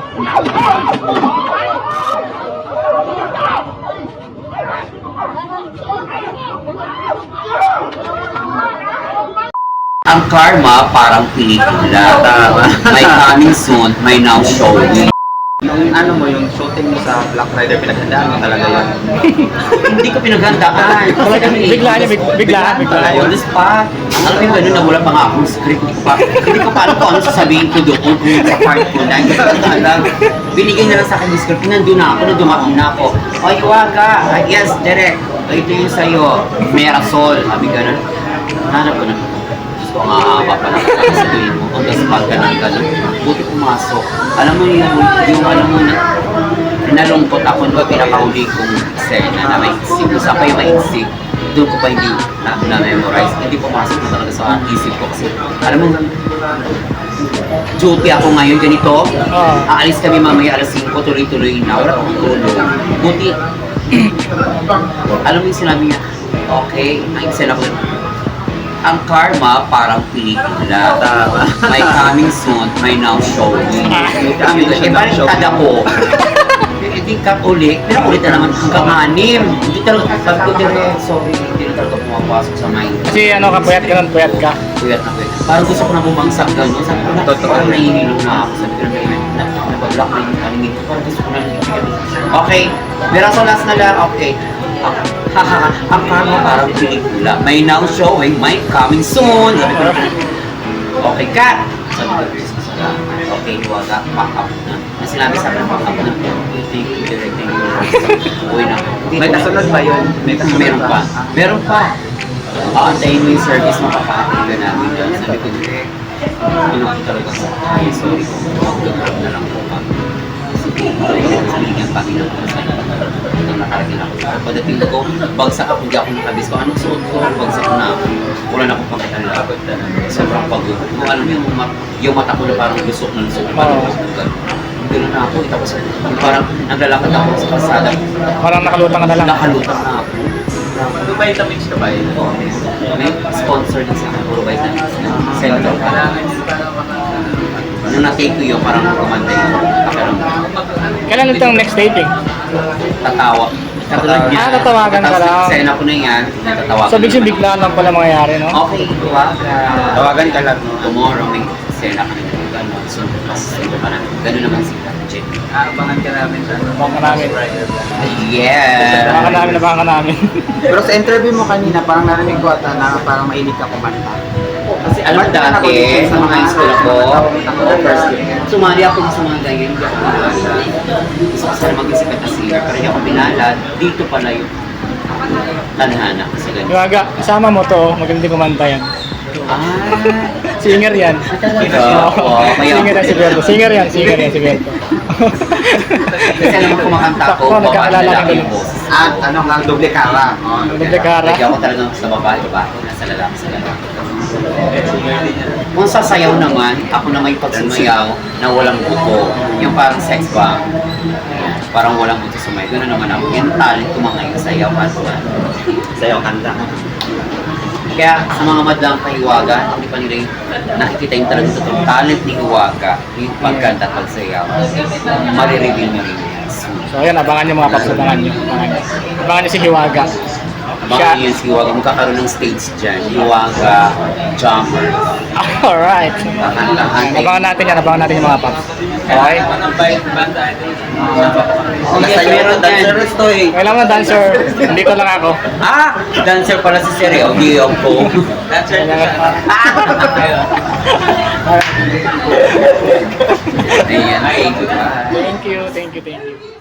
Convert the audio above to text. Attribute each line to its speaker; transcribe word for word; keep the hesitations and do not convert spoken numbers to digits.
Speaker 1: Ang karma parang pelikula.
Speaker 2: Tama.
Speaker 1: May coming soon, may now showing.
Speaker 2: Yung ano mo, yung shooting mo sa Black Rider, pinaghandaan mo talaga yun.
Speaker 1: Hindi ko pinaghandaan.
Speaker 3: Talagang biglaan niya, big- biglaan, biglaan.
Speaker 1: Ayun, this pa. Ang alam yung gano'n na wala pa nga akong script. Hindi ko pa, hindi ko pa alam kung ano sasabihin ko doon kung sa part ko na. Hindi ko alam. Binigay na lang sa akin yung script. Nandun na ako, nandun na ako. Oy, Iwaga. Ah, yes, direct. Ito yung sa'yo. Merasol. Sabi gano'n. Hanap ko na. Diyos ko, ang ahaba pa lang sasabihin mo. On the spot ka lang gano'n. Buti pumasok. Alam mo yung, yung alam mo na, nalungkot ako nung pinakahuli kong eksena na may isip. Isa pa yung may isip. Doon ko pa hindi na, na-memorize. Hindi pumasok na talaga sa isip ko kasi, alam mo, duty ako ngayon ganito.
Speaker 3: Oo.
Speaker 1: Aalis kami mamaya alas singko, tuloy-tuloy na. Wala akong tulog. Buti, alam mo yung sinabi niya, okay, ang eksena ko, ang karma parang pelikula.
Speaker 2: Tama.
Speaker 1: May coming soon, may now showing.
Speaker 2: Coming
Speaker 1: Eh,
Speaker 2: soon,
Speaker 1: parang
Speaker 2: now showing.
Speaker 1: tada ko. Hindi ka ulit, pero ulit na naman hanggang anim. Hindi talaga, sabi ko dire, sorry, hindi na talaga pumapasok sa mind.
Speaker 3: Kasi ano ka, puyat ka nun, puyat ka.
Speaker 1: Puyat na puyat. Parang gusto ko na bumangsak gano'n. Sabi ko na,
Speaker 2: Totoo.
Speaker 1: parang nahihilong na ako. Sabi ko na, na, nabablock na yung kaningin ko. Parang gusto ko na nahihilong. Okay, Merasol last na lang, okay. Hahaha, ang karma parang pelikula. May now showing, may coming soon. Sabi ko na, okay, cut! Sabi ko, Diyos ko sa okay, Iwaga, pack up na. Na sinabi sa akin, pack up na. Thank you, direct, thank you. Uwi na.
Speaker 2: May kasunod ba yun? May kasunod
Speaker 1: Meron
Speaker 2: ba?
Speaker 1: pa. Meron pa. Aantayin mo yung service, makakaating ka namin dyan. Sabi ko, direct, ano ko talaga sa ay, sorry ko. Mag-grab na lang po kami. Sige, sabi niya, Panginoon ko sa ito nakaragin ako. Pagdating ko, bagsak ako, hindi ako nakabis ko. Anong suot ko? Bagsak na ako. Wala na akong pakitala. Sobrang pagod. Kung alam mo yung, ma- yung mata ko na parang lusok na lusok. Parang gano'n na ako. Tapos parang naglalakad ako sa kalsada.
Speaker 3: Parang nakalutang ka na lang.
Speaker 1: Nakalutang na ako.
Speaker 2: May vitamins ka ba yun?
Speaker 1: May sponsor din sa akin. Puro vitamins na. Center pa lang. Nung na-take ko yun, parang kumanda yung pakiramdam.
Speaker 3: Kailan itong next taping?
Speaker 1: Tatawa. Katulad niya.
Speaker 3: Ah, tatawagan ka lang.
Speaker 1: Sa ina ko na yan, tatawagan.
Speaker 3: So, big yung biglaan lang pala mangyayari, no?
Speaker 1: Okay, tuwaga.
Speaker 2: Tawagan ka lang.
Speaker 1: Tomorrow may sena kami na gano'n. So, mas ito pa na. Gano'n naman si Jet.
Speaker 2: Aabangan ka namin sa ano.
Speaker 3: Abangan ka namin.
Speaker 1: Yeah!
Speaker 3: Abangan ka namin, abangan ka namin.
Speaker 2: Pero sa interview mo kanina, parang narinig ko ata na parang mahilig ka kumanta.
Speaker 1: Kasi alam mo
Speaker 2: Kumanta ka
Speaker 1: dati,
Speaker 2: na
Speaker 1: sa mga high school ako, first year, sumali ako sa mga ganyan, hindi ako pinalad. Gusto ko sana mag-isip at singer, pero hindi ako pinalad. Dito pala yung tanhana ko sa ganyan.
Speaker 3: Iwaga, kasama mo to, magaling kumanta yan.
Speaker 1: Ah!
Speaker 3: Singer yan.
Speaker 1: Ito, oo, kaya
Speaker 3: Singer yan si Berto. Singer yan, singer yan si Berto.
Speaker 1: Kasi alam mo kumakanta ko,
Speaker 3: Sakto,
Speaker 1: babae
Speaker 3: nagkakilala
Speaker 1: lalaki
Speaker 3: kami.
Speaker 1: yung boses.
Speaker 2: At ano nga, doble kara. Oh,
Speaker 3: Doble kara.
Speaker 1: Lagi ako talagang sa babae, babae, nasa lalaki sa lalaki. Kung sa sayaw naman, ako na may pagsumayaw na walang buto. Yung parang sex bomb. Parang walang buto sumayaw. Gano'n naman ako. Yung talent ko mga yung sayaw.
Speaker 2: Sayo kanta.
Speaker 1: Kaya sa mga madlang kay Iwaga, hindi pa nila yung nakikita yung talagang totoong talent ni Iwaga, yung pagkanta at pagsayaw. Marireveal nyo rin yan.
Speaker 3: So, ayan, abangan nyo mga paps, abangan nyo. Abangan nyo, abangan nyo si Hiwaga.
Speaker 1: Baka yun si Iwaga, magkakaroon ng stage dyan. Iwaga, Jumper.
Speaker 3: Alright.
Speaker 1: Kakantahan.
Speaker 3: Abangan natin yan, abangan natin yung mga paps. Okay?
Speaker 1: Oh, yes, meron
Speaker 2: dancer
Speaker 1: dyan.
Speaker 2: to eh.
Speaker 3: Kailan mo dancer? Nandito lang ako.
Speaker 1: Ah! Dancer pala si Siri. O, di ako.
Speaker 2: Dancer
Speaker 3: Kailangan.
Speaker 1: Ayan, thank you.
Speaker 3: Thank you, thank you, thank you.